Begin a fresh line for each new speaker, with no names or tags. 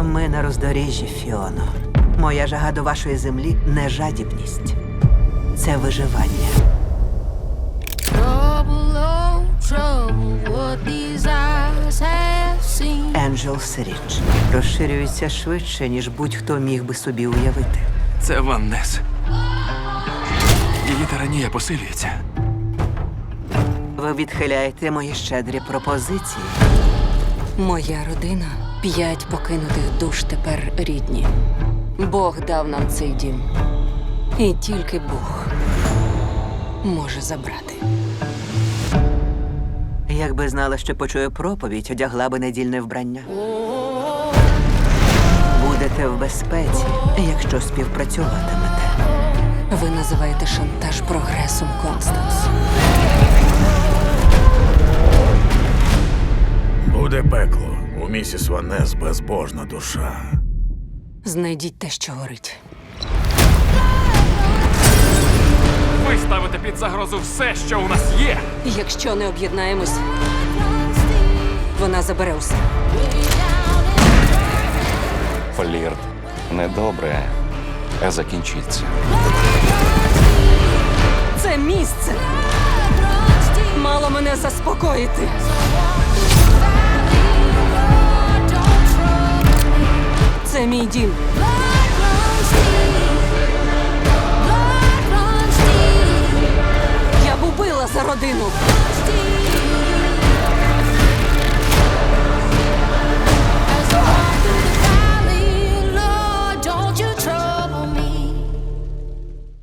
Ми на роздоріжжі, Фіоно. Моя жага до вашої землі не жадібність. Це виживання.
Trouble, oh, trouble, what these eyes have seen.
Енджелс Рідж розширюється швидше, ніж будь-хто міг би собі уявити.
Це Ваннес. Її тиранія посилюється.
Ви відхиляєте мої щедрі пропозиції.
Моя родина 5 покинутих душ тепер рідні. Бог дав нам цей дім. І тільки Бог може забрати.
Якби знала, що почую проповідь, одягла би недільне вбрання. Будете в безпеці, якщо співпрацюватимете.
Ви називаєте шантаж прогресом, Констанс.
Буде пекло. У місіс Ваннес безбожна душа.
Знайдіть те, що горить.
Ви ставите під загрозу все, що у нас є.
Якщо не об'єднаємось, вона забере усе.
Флірт недобре, а закінчиться.
Це місце мало мене заспокоїти. Це мій дім. Я б убила за родину.